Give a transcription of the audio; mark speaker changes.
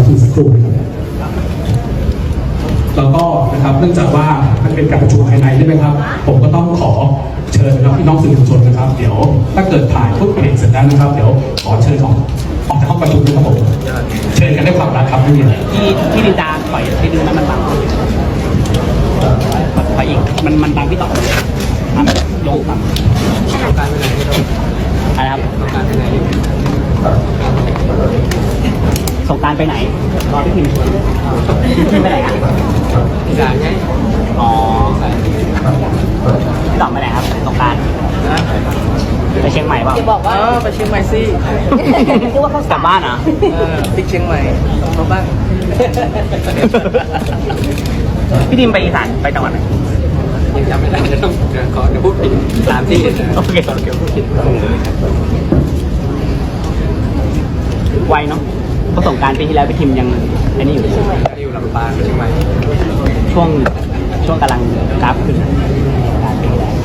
Speaker 1: ทีสักครู่นะครับแล้วก็นะครับเนื่องจากว่ามันเป็นการประชุมภายในใช่ไหมครับผมก็ต้องขอเชิญนะครับพี่น้องสื่อมวลชนนะครับเดี๋ยวถ้าเกิดถ่ายปุ๊บเบรกเสร็จแล้วนะครับเดี๋ยวขอเชิญออกจากห้องประชุมด้วยครับผมเชิญกันด้วยความรักครับไม่มีอะไร
Speaker 2: ที่ดินดาปล่อยให้ดูนั้นมันบังไปอีกมันบังพี่ต่อลงต่ำการไปไหนอะไรครับส่งการไปไหนรอพี่พิมพ์ชวนพี่ไปไหนอ่ะพี่ด่าไงอ๋อพี่ต่อไปไหนครับส่งการไปเชียงใหม่เปล่า
Speaker 3: จะบอกว่า
Speaker 4: ไปเชียงใหม่สิ
Speaker 3: คิดว่าเขา
Speaker 2: กลับบ้านเหรอ
Speaker 4: ติ๊กเชียงใหม่มาบ้าน
Speaker 2: พี่ดิมไปอีสานไปจังหวัดไหน
Speaker 4: ยังจำไม่ได้จะต้องขอเดี๋ยวพูดผิดตามที่
Speaker 2: โอเค
Speaker 4: เกี่ยวพูดผิด
Speaker 2: ไวเนาะเพราะสงการปีที่แล้วพี่ทิมยังไอ้นี่อยู่
Speaker 4: อยู่ลำปางเชียงใหม่
Speaker 2: ช่วงกำลังกราฟขึ้น